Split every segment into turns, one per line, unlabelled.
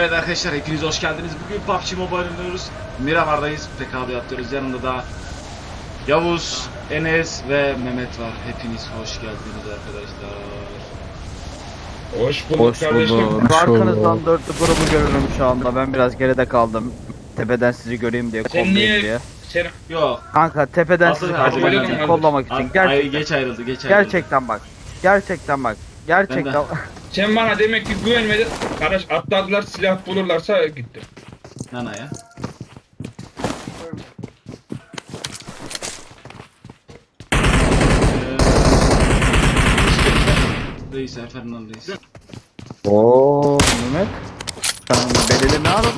Evet arkadaşlar, hepiniz hoş geldiniz. Bugün PUBG Mobile oynuyoruz. Miramar'dayız. PK'da yapıyoruz. Yanında da Yavuz, Enes ve Mehmet var. Hepiniz hoş geldiniz arkadaşlar.
Hoş bulduk
Hoş
kardeşim.
bulduk.
Arkanızdan dörtlü grubu görüyorum şu anda. Ben biraz geride kaldım. Tepeden sizi göreyim diye,
Sen
kollayayım
niye
diye.
sen
Yok.
Kanka tepeden
Asıl
sizi
kardeşim,
kollamak
öyle
için,
mi?
kollamak için. Gerçekten.
Geç ayrıldı.
Gerçekten bak. Gerçekten bak. Gerçekten.
sen bana demek ki güvenmedin. Kardeş atladılar, silah bulurlarsa gittim.
Nana ya. Reis, Fernando Reis.
Oo Mehmet. Sen belirli ne aradın?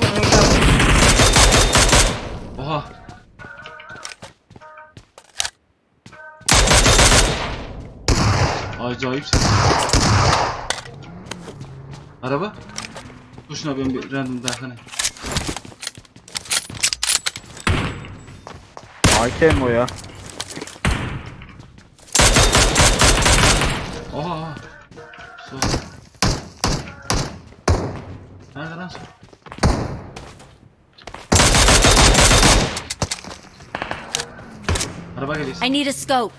Oha. Acayip ses. Araba. Dur şuna ben bir random dakika.
AK o ya.
Oha. Su. Nerede lan su? Araba geliyor.
I need a scope.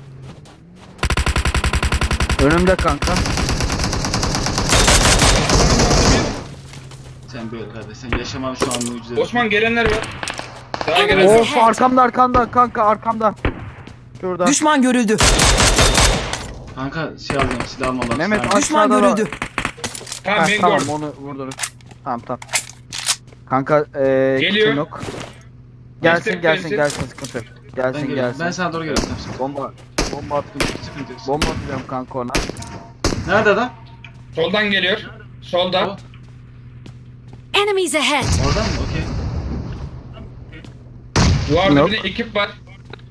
Önümde kanka.
Sen böyle kardeş. Sen yaşaman şu an mucize.
Osman gelenler var. Daha
Evet.
gelenler.
Of arkamda kanka arkamda. Şurada.
Düşman görüldü.
Kanka şey alacağım, silah almam lazım.
Mehmet,
Yani-
Düşman
Aşağıda da-
görüldü.
Tamam ben
Tamam
gördüm.
onu vurduruz. Tamam. Kanka
Geliyor.
kitim yok. Gelsin
Gelsin.
sıkıntı yok.
ben
Gelsin
geliyorum.
gelsin.
Ben sana doğru geliyorum. Tamam,
Bomba attım.
sıkıntı yok.
Bomba atacağım kanka ona.
Nerede adam?
Soldan geliyor. Solda.
O.
Enemies ahead.
Oradan mı? Okey.
Duvarda
Yok.
bir de ekip var.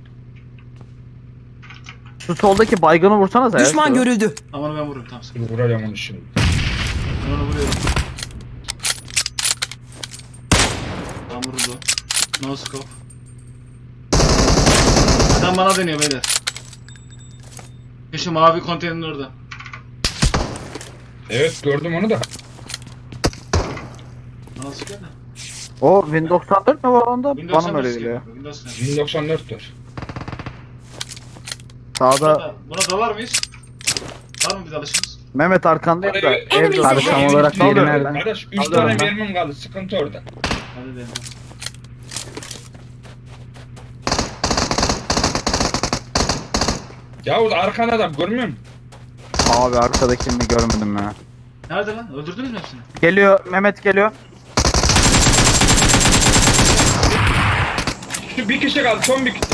Şu soldaki baygını vursanız ya.
Düşman
şurada.
görüldü.
Aman ben vururum, tamam. Sıkıntı.
Vuracağım onu şimdi.
Ben onu vuruyorum. Tamam, vuruldu. No scope. Adam bana deniyor beyler. Şu mavi konteynerin orada.
Evet gördüm onu da.
Nasıl geldi?
O Win 94 mi var onda?
Windows
Bana mı öyle
nasıl
geliyor?
geliyor? Windows nasıl?
1094 var.
Sağda
Buna dalar mıyız? Var mı biz alışımız?
Mehmet arkandayım da.
Abi,
Evde.
Abi, tam
olarak
Sağda.
yeri nerede?
Kardeş 3
Alıyorum
tane
ben.
mermim kaldı. Sıkıntı orada.
Hadi deneyelim.
Yavuz arkanda adam görmüyor musun?
Abi arkadakini görmedim ya.
Nerede lan? Öldürdünüz mü hepsini?
Geliyor Mehmet geliyor.
Şu bir kişi kaldı. Son bir kişi.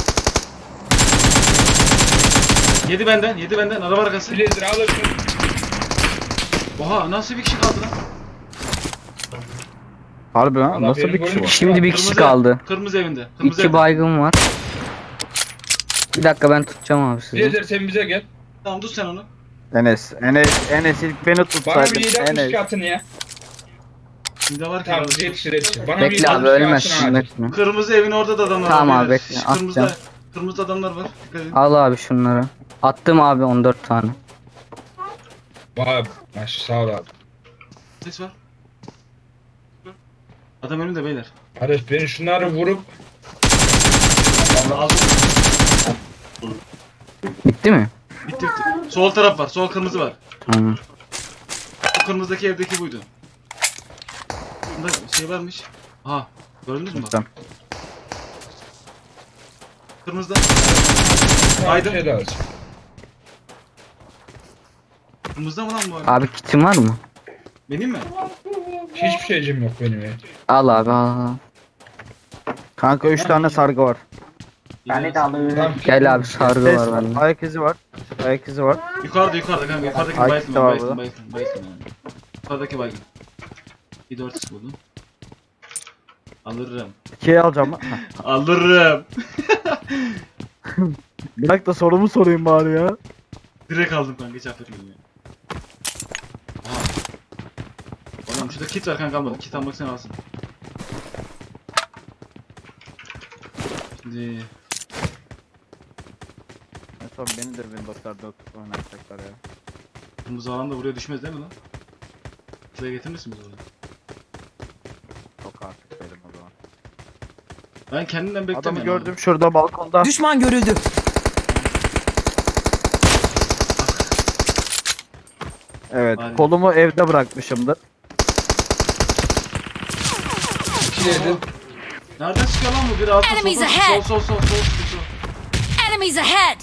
Yedi benden. Araba arkası.
Blazer alırsın.
Oha, nasıl bir kişi kaldı lan?
Harbi lan
Allah
nasıl
benim
bir kişi
golüm-
var?
Şimdi bir kişi
Kırmızı-
kaldı.
Kırmızı evinde. Kırmızı
İki
evinde.
baygın var. Bir dakika ben tutacağım abi sizi.
Blazer sen bize gel.
Tamam, tut sen onu.
Enes ilk beni
Bana
tutsaydın.
bir 762
Enes.
atın ya.
Şimdi var ki
Tamam
arada.
yetişir. Bana
Bekle
bir
abi
762
ölmezsin
atın
bekle.
Kırmızı evin orada da adamlar
Tamam
var.
abi,
beyler.
bekle,
Kırmızıda,
atacağım.
kırmızı adamlar var. Dikkat edin.
Al abi şunları. Attım abi 14 tane.
Vay maş sağ ol abi.
Ses var. Adam önümde beyler.
Kardeş ben şunları vurup
Aldım.
Bitti mi?
Bitti. Sol taraf var. Sol kırmızı var.
Tamam.
O kırmızıdaki evdeki buydu. Bunda şey varmış. Aha. Gördünüz mü bak?
Tamam.
Kırmızıda.
Haydi.
Haydi.
Şey lazım.
Kırmızıda mı lan bu arada?
Abi kitin var mı?
Benim mi?
Hiçbir şeycim yok benim ya.
Al abi al.
Kanka 3 tane sargı var.
Tamam.
Gel abi sargı
Ses
var bende.
Ayak izi var. Ayak izi var.
Yukarıda kanka. Yukarıdaki
Ay,
bayıltın.
tamam,
Bayıltın.
burada.
Bayıltın yani. Yukarıdaki baygın. Bir 4 buldum. Alırım.
2'ye alacağım lan.
Alırım.
Bir dakika sorumu sorayım bari ya.
Direkt aldım kanka, hiç affetmedim ya. Aha. Oğlum şurada kit var kanka, almadım. Kit almak sen alsın. Şimdi
En son beni de Windows'larda oynatacaklar ya.
kırmızı alan da buraya düşmez değil mi lan? Şuraya getirir misin bizi oraya? Ben kendimden
Adamı
beklemiyorum.
gördüm şurada balkonda.
Düşman görüldü.
Evet,
Aynen.
kolumu evde bırakmışımdır.
İki yedi.
Nereden çıkıyor lan bu? Bir altı
Enemies
sol
ahead.
sol.
Enemies ahead!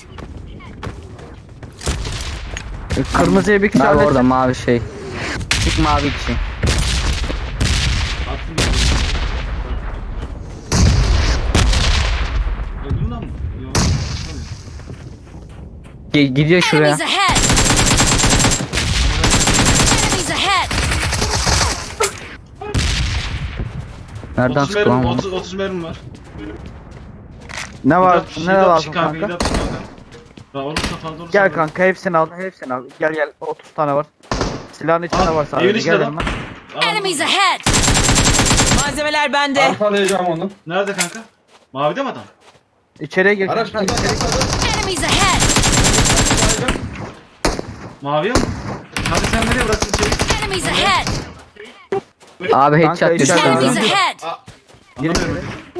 Kırmızıya bir kişi
Abi
halledecek.
orada mavi şey. Çık mavi için.
Attım bir. Öldün lan mı? Yok.
Gidiyor şuraya.
Enemies ahead! Enemies ahead!
Nereden
30
çıktı
mermim,
lan bu?
30 mermim var.
Ne var?
Hidap-
Ne
hidap
lazım
çık
kanka?
hidap çık kanka. Daha olursa fazla olursa.
Gel kanka hepsini al, hepsini al. Gel gel 30 tane var. Silahın içinde
Al,
var
evin
sadece.
içinde
Gel
lan.
yanıma.
Enemies ahead!
Malzemeler bende.
Arkalayacağım onu.
Nerede kanka? Mavide mi adam?
İçeriye gir.
Araç
kanka,
burada.
içeri-
Enemies ahead!
Maviye mi? Hadi sen nereye bıraktın içeri?
Enemies ahead!
Abi
Kanka,
headshot düştü.
içeride
Enemies
abi.
ahead!
Anlamıyorum.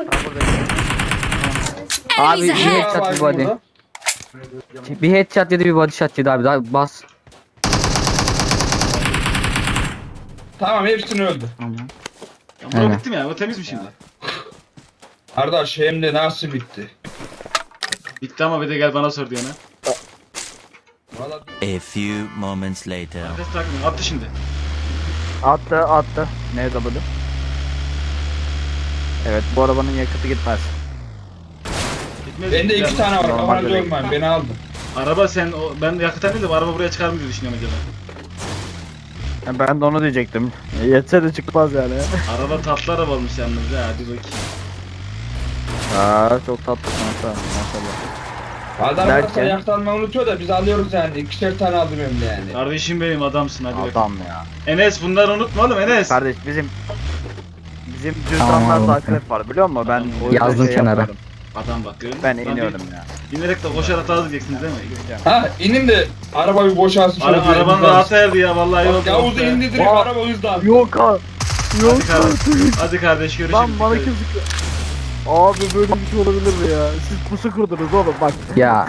Abi bir
Enemies ahead!
headshot bir
Var
body.
burada.
Bir headshot yedi bir body shot yedi abi. Daha bas.
Tamam hepsini öldü.
Ya bura
Aynen.
bitti mi ya? O temiz mi şimdi?
Kardeş hem de nasıl bitti?
Bitti ama bir de gel bana sor diyene.
Valla
A few moments later.
Nefes takmıyor. Attı şimdi.
Attı. NW. Evet, bu arabanın yakıtı gitmez.
Gitmez.
bende
Gel.
2 tane var.
Normal
Kafanı
direkt.
görmeyin. Beni aldın.
Araba sen ben yakıtan değil de bu araba buraya çıkar mı diye düşünüyorum acaba.
Ben de onu diyecektim. Yetse de çıkmaz yani.
Araba tatlı araba olmuş yalnız ya. Hadi bakayım.
Çok tatlı kanka. Maşallah.
Adam
Derken?
varsa yaktanmayı unutuyor da biz alıyoruz yani. 2'şer tane aldım hem de yani.
Kardeşim benim adamsın hadi bakayım.
Adam ya.
Enes bunları unutma oğlum Enes.
Kardeş bizim
Tamam,
cüzdanlarda
oğlum.
akrep var biliyor musun? Ben o yüzden
Yazdım kenara.
yapıyorum.
Adam bak görüyor musun?
Ben
Lan
iniyorum ya.
İnerek de koşar atarız diyeceksiniz değil mi?
Ha inin de araba bir boşalsın şöyle. bir
Arabanın
hızlansın.
rahat erdi ya vallahi yok.
Bak Yavuz'u indi direkt
Aa.
araba hızlan.
Yok ha. Yok
Hadi kardeş, hadi kardeş görüşürüz.
Lan bana kim sıkıyor? Abi böyle bir şey olabilir mi ya? Siz pusu kurdunuz oğlum bak.
Ya.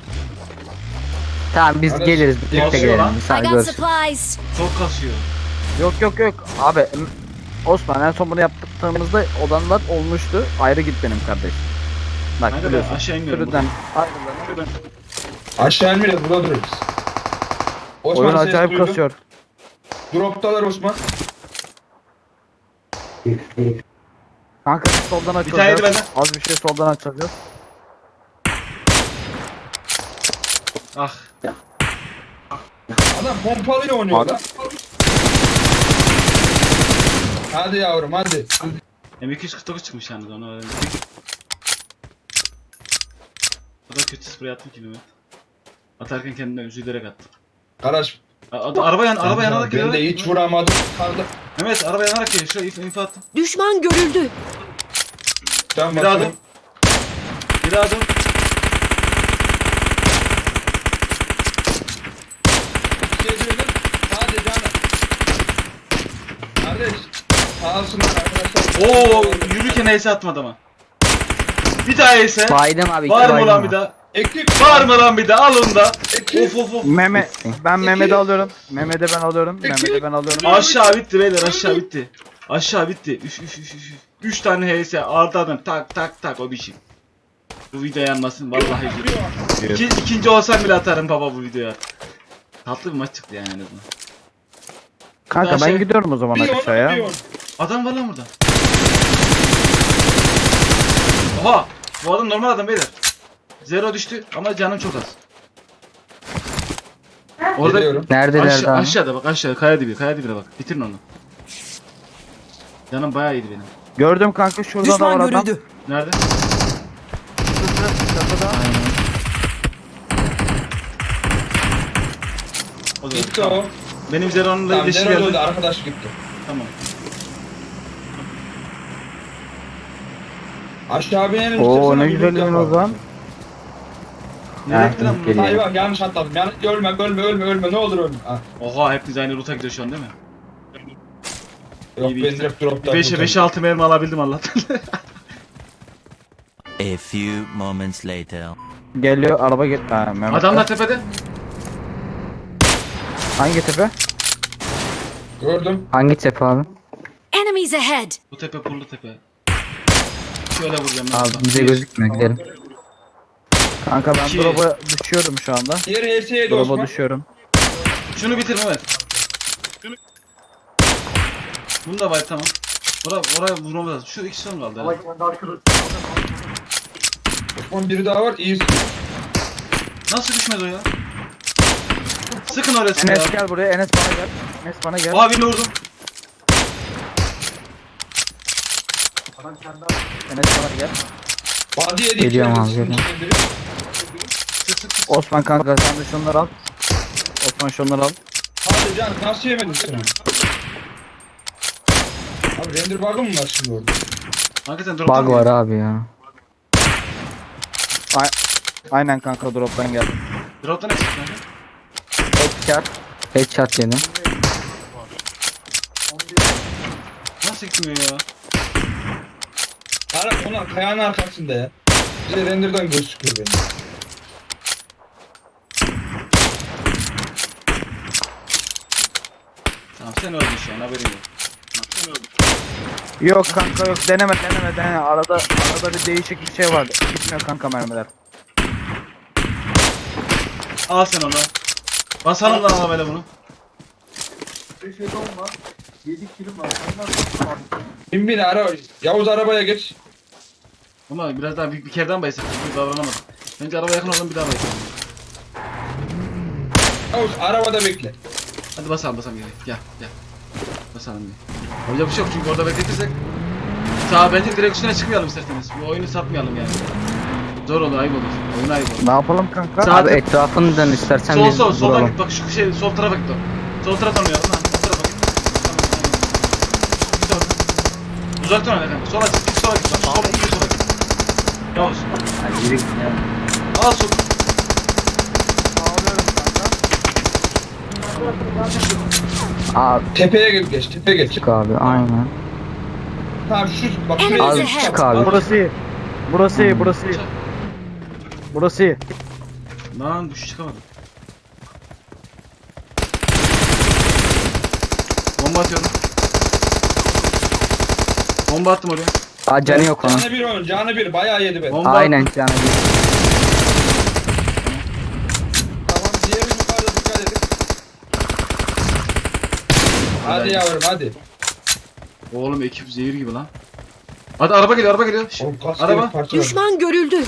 Tamam biz
Kardeş,
geliriz. Birlikte
basıyor
gelelim.
lan.
Bir
I
saniye
got
görüşürüz.
supplies!
Çok kasıyor.
Yok. Abi Osman en son bunu yaptığımızda odanlar olmuştu. Ayrı git benim kardeş. Bak
Kanka ben
biliyorsun.
aşağı inmiyorum.
Sürüden ayrılanır.
Aşağı inmeyiz burada dururuz. Osman
Oyun
ses
acayip
duydum.
kasıyor.
Droptalar Osman.
Kanka soldan
tane de
açılacağız.
benden.
Az bir şey soldan açılacağız.
Ah.
Adam pompalıyla oynuyor
Abi.
lan. Hadi yavrum hadi.
M249 çıkmış yalnız onu öğrendim. O da kötü sprey attım ki Mehmet. Atarken kendimden üzülerek attım.
Kardeş
Araba yanarak
ben
geliyor.
de hiç vuramadım. Kaldı.
Mehmet araba yanarak geliyor. Şuraya info attım.
Düşman görüldü!
Tamam
Bir daha
bakalım.
dur. Bir daha dur.
Şey diyordum. Hadi canım. Kardeş. Sağ olsunlar arkadaşlar.
Oo yürürken ace atmadı ama. Bir daha ace.
Baydım abi. iki
Var mı
baydım
lan
abi.
bir daha?
Ekip.
Var mı lan bir daha? Al onu da.
Ekip.
Of.
Ben Mehmet'i alıyorum. Mehmet'i ben alıyorum. Mehmet'i ben alıyorum.
Aşağı bitti beyler aşağı bitti. Aşağı bitti. 3 tane HS ardardan tak o biçim. Bu video yanmasın vallahi. İkinci olsam bile atarım baba bu videoya. Tatlı bir maç çıktı yani en azından.
Kanka
Daha
ben
şey-
gidiyorum o zaman
Bir
aşağıya.
onu.
Adam var lan burada. Oha! Bu adam normal adam beyler. Zero düştü ama canım çok az. Orada
Gidiyorum.
Neredeler daha?
aşağıda bak aşağıda kaya dibine bak. Bitirin onu. Canım bayağı iyiydi benim.
Gördüm kanka şurada da var
Düşman
adam.
görüldü.
Nerede? O da
Gitti o.
benim Zero'nun da
Tamam
iletişim
Zero
geldi.
öldü arkadaş gitti.
Tamam.
Aşağı binelim.
Oo
istiyorsan
ne
bir
güzel
loot
oyun o
yapalım.
zaman.
Nereye gitti lan bu?
geliyor.
Hayır bak yanlış atladım. Ölme ne olur ölme. Ha.
Oha hepiniz aynı ruta gidiyor şu an değil mi?
Yok
İyi
ben
bir-
direkt drop'tan.
5'e 5'e 6 mermi alabildim Allah'tan.
A few moments later.
Geliyor araba gel. Ha, Mehmet.
Adamlar tepede.
Hangi tepe?
Gördüm.
Hangi tepe abi?
Enemies ahead!
Bu tepe pullu tepe. Şöyle vuracağım ben.
Abi
bak.
bize gözükmüyor gidelim.
Kanka ben
İki.
drop'a düşüyorum şu anda.
Diğer HS'ye de
Drop'a
Osman.
düşüyorum.
Şunu bitir Mehmet. Bunu da bay tamam. Oraya vurmamız lazım. Şu iki son kaldı. herhalde.
Osman biri daha var. İyi.
Nasıl düşmez o ya? Sıkın orasını ya.
Enes gel buraya. Enes bana gel. Enes bana gel.
Oha birini vurdum.
Enes bana gel.
Body yedik.
Geliyorum
içeride,
abi,
sizin
geliyorum.
içinde biri.
Sık sık sık.
Osman kanka sen de şunları al. Osman şunları al.
Hadi can nasıl yemedin sen? Abi render bug'ı mı var şimdi orada?
Hakikaten drop'tan
Bug var abi ya.
Aynen kanka drop'tan gel.
Drop'tan eksik kanka.
Headshot.
Headshot yedim.
Nasıl gitmiyor ya?
Ara ona kayanın arkasında ya. Bir de render'dan gözüküyor benim.
Tamam sen öldün şu an haberin yok.
Yok kanka yok deneme. Arada bir değişik bir şey vardı. Gitmiyor kanka mermiler.
Al sen onu. Basalım lan ama böyle bunu.
Bin ara Yavuz arabaya geç.
Ama biraz daha bir kereden baysak. Bir davranamadım. Bence araba yakın olalım bir daha baysalım.
Yavuz arabada bekle.
Hadi basalım gel. Basalım bir. Yapacak bir şey yok çünkü orada bekletirsek. Sağ bence direkt üstüne çıkmayalım isterseniz. Bu oyunu satmayalım yani. Zor olur, ayıp olur. Oyun ayıp olur.
Ne yapalım kanka?
Sağ-
Abi etrafını dön istersen
Sol
biz
soldan
duralım.
git bak şu şey sol tarafa git bak. Sol tarafa oynayalım lan. Sol tarafa git. Tamam. Git orada. Uzaktan oyna kanka. Sola git sola git bak. Sola git sola git. Yavuz. Al sol.
Abi
Tepeye geç, tepeye geç.
çık abi aynen.
Tamam şu bak
Enemies
şuraya.
Abi
ahead!
çık abi.
Burası iyi. Burası iyi.
Lan düş çıkamadım. Bomba atıyorum. Bomba attım oraya.
Aa canı yok onun.
Canı bir onun, canı bir. Bayağı yedi ben.
Bomba
Aynen canı bir.
Tamam diğeri yukarıda dikkat edin. Hadi yavrum hadi.
Oğlum ekip zehir gibi lan. Hadi araba geliyor. Şş,
Oğlum kaç
araba.
kere parça var.
Düşman görüldü.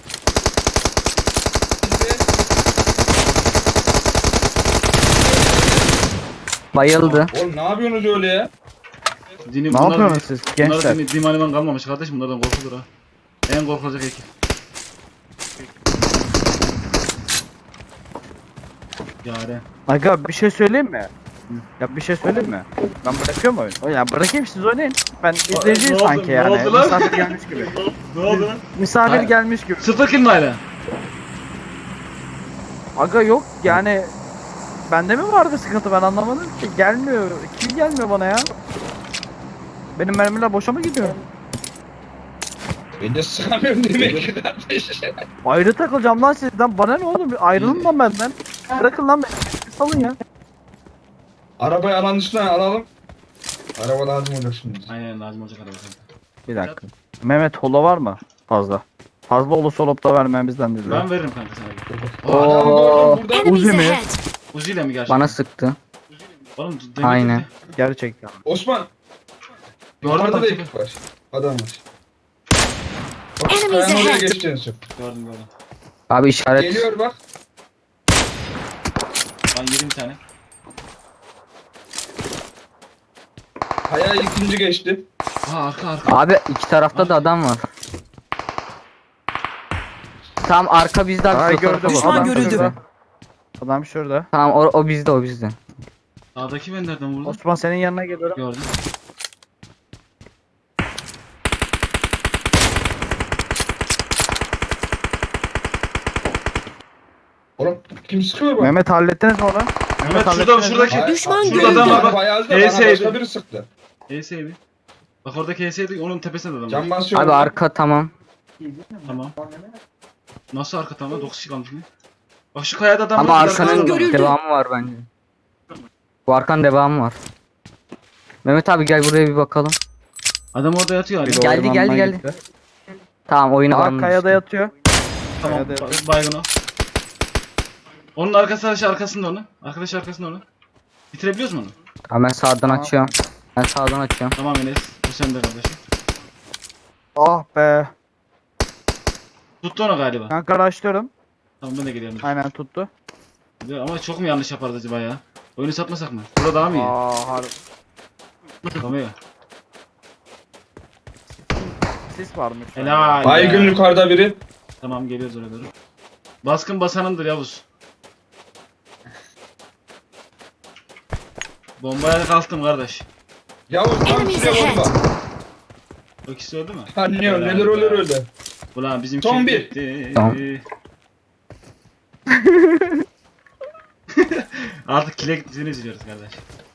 Bayıldı.
Oğlum ne yapıyorsunuz öyle ya?
Dinim,
Ne yapıyorsunuz siz gençler?
Bunlar din aliman kalmamış kardeşim bunlardan korkulur ha. En korkulacak ekip. Yaren.
Aga bir şey söyleyeyim mi? Ya bir şey söyleyeyim mi? Ben bırakıyorum oyunu. Ya bırakayım siz oynayın. Ben izleyiciyim
ne oldu-
sanki
ne
yani.
oldu lan?
Misafir gelmiş gibi.
Ne oldu lan?
Misafir
Hayır.
gelmiş gibi.
0 kill mi hala?
Aga yok yani bende mi vardı sıkıntı ben anlamadım ki. Gelmiyor. Kim gelmiyor bana ya? Benim mermiler boşa mı gidiyor?
Ben de sıkamıyorum demek ki kardeş.
Ayrı takılacağım lan sizden. Bana ne oğlum? Ayrılın lan benden. Bırakın lan beni. Salın ya.
Arabayı alan dışına alalım. Araba lazım olacak şimdi.
Aynen lazım olacak araba.
Bir dakika. Mehmet holo var mı? Fazla. Fazla olursa olup da vermemizden dediler.
Ben veririm kanka sana.
Adam gördüm burada.
Enemies
Uzi mi?
ahead!
Uzi ile mi gerçekten?
Bana sıktı.
Oğlum,
Aynen.
Gerçekten.
Osman.
Gördüm
Yukarıda da
bak.
ekip var. Adam var. Bak
Enemies
kayanın oraya
ahead.
geçeceksin.
Gördüm.
Abi işaret.
Geliyor bak.
Ben yedim bir tane.
Kaya ikinci geçti.
Aa arka.
Abi iki tarafta da adam var. Tam arka bizde abi.
Ay
şu tarafa
gördüm.
bak.
Düşman
Adam
görüldü.
şurada. Adam şurada.
Tamam o bizde o bizde.
Sağdaki ben nereden vurdum?
Osman senin yanına geliyorum.
Gördüm.
Oğlum kim sıkıyor bak?
Mehmet hallettiniz mi onu?
Mehmet şurada
hallettiniz mi?
şuradaki.
Hayır,
Düşman
şurada
görüldü.
adam var bak. Bayağı da bana
HS'ydi.
başka biri sıktı.
HS'ydi. Bak oradaki HS'ydi onun tepesinde de adam var.
Can basıyor.
Abi arka tamam.
Tamam. Nasıl arka tamam? 9 kişi kalmış mı? Bak şu kayada adam
Ama
var,
arkanın
Görüldü.
devamı var bence. Bu arkanın devamı var. Mehmet abi gel buraya bir bakalım.
Adam orada yatıyor hala.
Geldi,
Ormandan
geldi, geldi.
gitti.
Tamam oyunu
Aa
banlamış.
kayada yatıyor.
Tamam.
Kayada yatıyor.
Baygın o. Onun arkasında onu. Arkadaş arkasında onu. Bitirebiliyoruz mu onu?
Tamam ben sağdan açıyorum. Ben sağdan açıyorum.
Tamam Enes. Bu sende kardeşim.
Ah be.
Tuttu onu galiba.
Ben karaşlıyorum.
Tamam ben de geliyorum.
Aynen tuttu.
Ama çok mu yanlış yapardı acaba ya? Oyunu satmasak mı? Burada daha mı iyi?
Aa harbi.
Tamam ya.
Sis varmış.
Helal.
Baygın
ya.
yukarıda biri.
Tamam geliyoruz oraya doğru. Baskın basanındır Yavuz. Bombaya kalktım kardeş.
Yavuz tam
Enemies
size
ahead.
bomba.
O ikisi öldü mü?
Anlıyor
Helal
neler
be.
olur öyle.
Ulan bizim
Son
kim
bir.
gitti?
Tamam.
Artık kile gittiğini izliyoruz kardeş.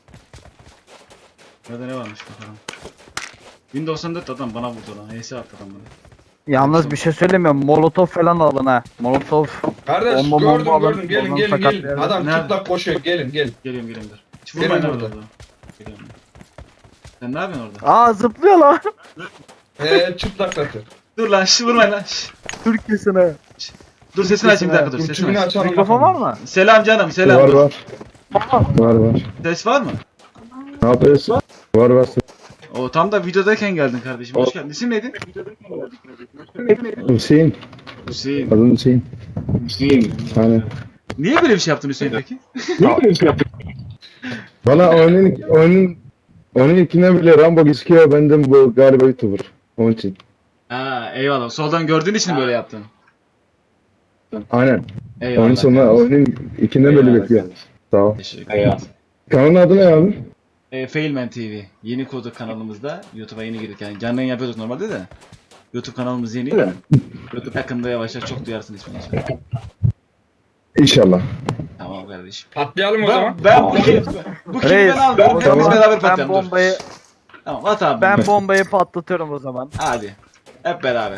Burada ne varmış bakalım. 1094 adam bana vurdu lan. HS attı adam bana.
Yalnız bir şey söylemiyorum. Molotov falan alın ha. Molotov.
Kardeş
Bomba
gördüm
alın,
gördüm gelin
oradan
gelin
sakat
gelin.
yerden.
Adam
Nerede?
çıplak koşuyor gelin gelin.
Geliyorum dur. Hiç
Gelin
vurmayın
burada.
orada. Geliyorum. Sen ne yapıyorsun orada?
Aa zıplıyor lan.
Çıplak zaten.
Dur lan vurmayın lan.
Türkçesine.
Dur sesini açayım bir dakika dur. Sesini
Tümünü
aç.
açalım.
Mikrofon var mı?
Selam canım selam.
Var
dur.
var. Var var.
Ses var mı?
Ne yapıyorsun? Var var.
O tam da videodayken geldin kardeşim. Hoş geldin. İsim neydi?
Hüseyin.
Hüseyin.
Adın Hüseyin. Aynen.
Niye böyle bir şey yaptın Hüseyin peki?
Bana onun ilkine bile Rambo gözüküyor. Benden bu galiba YouTuber. Onun için.
Ha eyvallah. Soldan gördüğün için böyle yaptın.
Aynen.
Eyvallah.
Onun sonra onun ikinden böyle bekliyor. Sağ ol.
Teşekkür ederim.
Kanalın adı ne abi?
Failman TV. Yeni kurduk kanalımızda. YouTube'a yeni girdik. Yani canlı yayın yapıyorduk normalde de. YouTube kanalımız yeni. YouTube yakında yavaş yavaş çok duyarsın ismini.
İnşallah.
Tamam kardeşim.
Patlayalım o zaman.
Ben bu kimi
Reis,
ben aldım.
o
Hepimiz
zaman
beraber
ben
patlayalım. dur.
bombayı
Tamam at abi.
ben bombayı patlatıyorum o zaman.
Hadi. Hep beraber.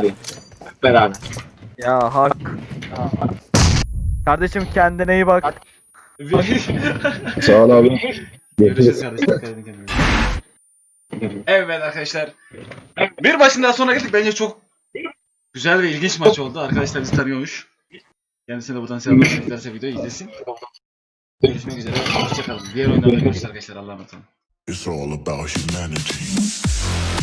Ya hak. Kardeşim kendine iyi bak.
Sağ ol abi.
Görüşürüz kardeşim. Dikkat edin kendinize. Evet arkadaşlar. Bir maçın daha sonuna geldik. Bence çok güzel ve ilginç maç oldu. Arkadaşlar bizi tanıyormuş. Kendisine de buradan selamlar. Teklerse videoyu izlesin. Görüşmek üzere. Hoşçakalın. Diğer oyunlarda görüşürüz arkadaşlar. Allah'a emanet olun.
It's all about humanity.